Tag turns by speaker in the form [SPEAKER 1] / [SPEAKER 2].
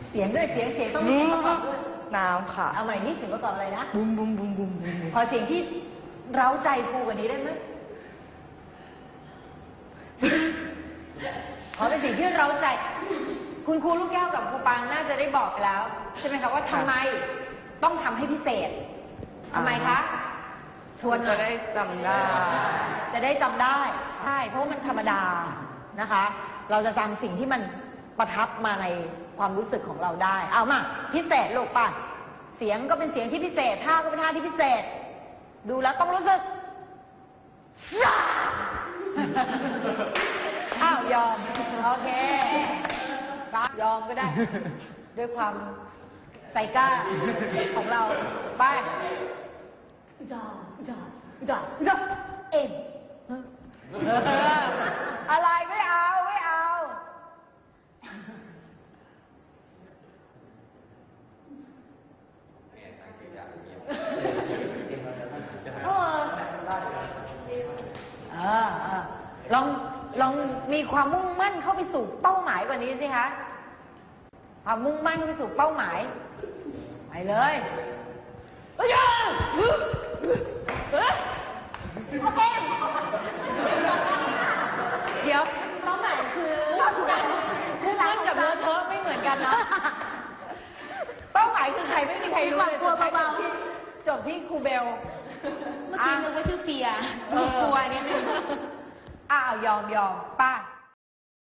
[SPEAKER 1] เสียงด้วยเสียงต้องมีเสียงประกอบด้วย
[SPEAKER 2] น้ำค่ะ
[SPEAKER 1] เอาใหม่นี่เสียงประกอบอะไรนะ
[SPEAKER 2] บุ้มบุ้มบุ้มบุ้มบุ้ม
[SPEAKER 1] ขอเสียงที่เร้าใจครูกว่านี้ได้ไหมขอเป็นเสียงที่เร้าใจคุณครูลูกแก้วกับครูปางน่าจะได้บอกไปแล้วใช่ไหมคะว่าทำไมต้องทำให้พิเศษทำไมคะชวน
[SPEAKER 2] จะได้จำได้
[SPEAKER 1] จะได้จำได้ใช่เพราะมันธรรมดานะคะเราจะจำสิ่งที่มันประทับมาในความรู้สึกของเราได้เอามาพิเศษลูกป่ะเสียงก็เป็นเสียงที่พิเศษท่าก็เป็นท่าที่พิเศษดูแล้วต้องรู้สึกอ้าวยอมโอเคยอมก็ได้ด้วยความใจกล้าของเราไปจอเอ็มอะไรไม่เอาลองมีความมุ่งมั่นเข้าไปสู่เป้าหมายกว่านี้สิคะความมุ่งมั่นไปสู่เป้าหมายไปเลยโอเคเดี๋ยวเป้าหมายคือมุ่งมั่นกับเลอะเทอะไม่เหมือนกันนะเป้าหมายคือใครไม่มีใครรู้เลยจบที่ครูเบล
[SPEAKER 3] เมื่อกี้นึกว่าชื่อเปีย
[SPEAKER 1] กลัวนิดนึงอ้าวยอมป้า